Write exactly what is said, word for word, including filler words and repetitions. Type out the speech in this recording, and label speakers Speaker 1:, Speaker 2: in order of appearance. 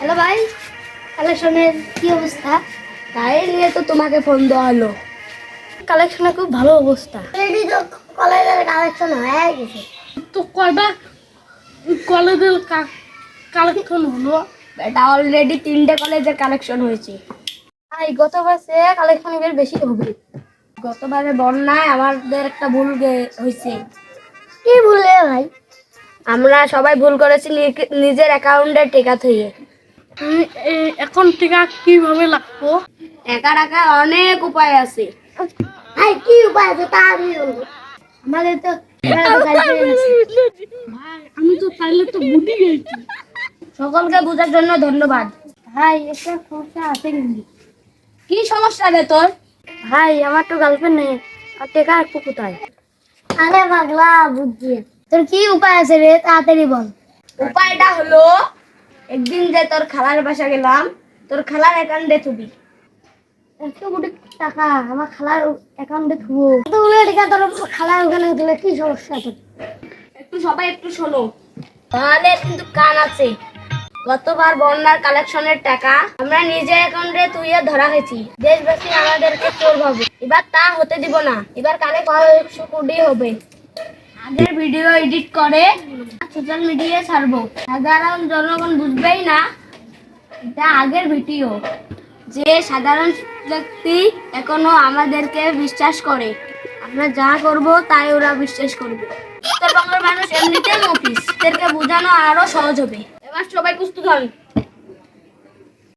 Speaker 1: Hello ভাই, কালেকশনের কি অবস্থা?
Speaker 2: তাই নিয়ে তো তোমাকে ফোন দেওয়া হলো।
Speaker 1: কালেকশনের খুব ভালো অবস্থা। রেডি তো কলেজের কালেকশন হয়ে গেছে।
Speaker 2: তো কয়টা কলেজের কালেকশন হলো? এটা অলরেডি তিনটে কলেজের কালেকশন হয়েছে।
Speaker 1: ভাই গত বছরে কালেকশন এর বেশি হবে।
Speaker 2: গতবারে বন্যায় আমাদের একটা ভুল গে- হয়েছে।
Speaker 1: কি ভুলে ভাই?
Speaker 2: আমরা সবাই ভুল করেছি নি- নিজের অ্যাকাউন্টে টেকা থইয়ে। এখন টেকা কিভাবে লাগবো? টাকা রাখার অনেক উপায় আছে।
Speaker 1: ভাই কি উপায় আছে তা আমি বলবো। আমাদের তো এবারে তো গার্লফ্রেন্ড আছে।
Speaker 2: ভাই আমি তো তাইলে তো বুঝি গেছি। সকলকে বোঝার জন্য ধন্যবাদ।
Speaker 1: ভাই একটা সমস্যা আছে কিন্তু।
Speaker 2: কি সমস্যা রে তোর?
Speaker 1: ভাই আমার তো গার্লফ্রেন্ড নেই, আর টেকা একটু কোথায়? আরে পাগলা বুঝছি। তোর কি উপায় আছে রে, তাড়াতাড়ি বল।
Speaker 2: উপায়টা হলো, একদিন যে তোর খালার বাসা গেলাম, তোর খালার অ্যাকাউন্টে থুবি।
Speaker 1: একশো কোটি টাকা আমার খালার অ্যাকাউন্টে থুবো? এতগুলো টাকা তোর খালার ওখানে দিলে কি সমস্যা তোর?
Speaker 2: একটু সবাই একটু শোনো, তাহলে কিন্তু কান আছে। গতবার বন্যার কালেকশনের টাকা আমরা নিজের অ্যাকাউন্টে তুইয়ে ধরা হয়েছি। দেশবাসী আমাদেরকে চোর ভাবে, এবার তা হতে দিব না। এবার কালে কয়েকশো কোটি হবে। আগের ভিডিও এডিট করে সোশ্যাল মিডিয়ায় ছাড়বো, সাধারণ জনগণ বুঝবেই না এটা আগের ভিডিও। যে সাধারণ ব্যক্তি এখনো আমাদেরকে বিশ্বাস করে, আমরা যা করব তাই ওরা বিশ্বাস করবে। উত্তরবঙ্গের মানুষ এমনিতেই মফিস, এদেরকে বোঝানো আরো সহজ হবে। এবার সবাই প্রস্তুত হন।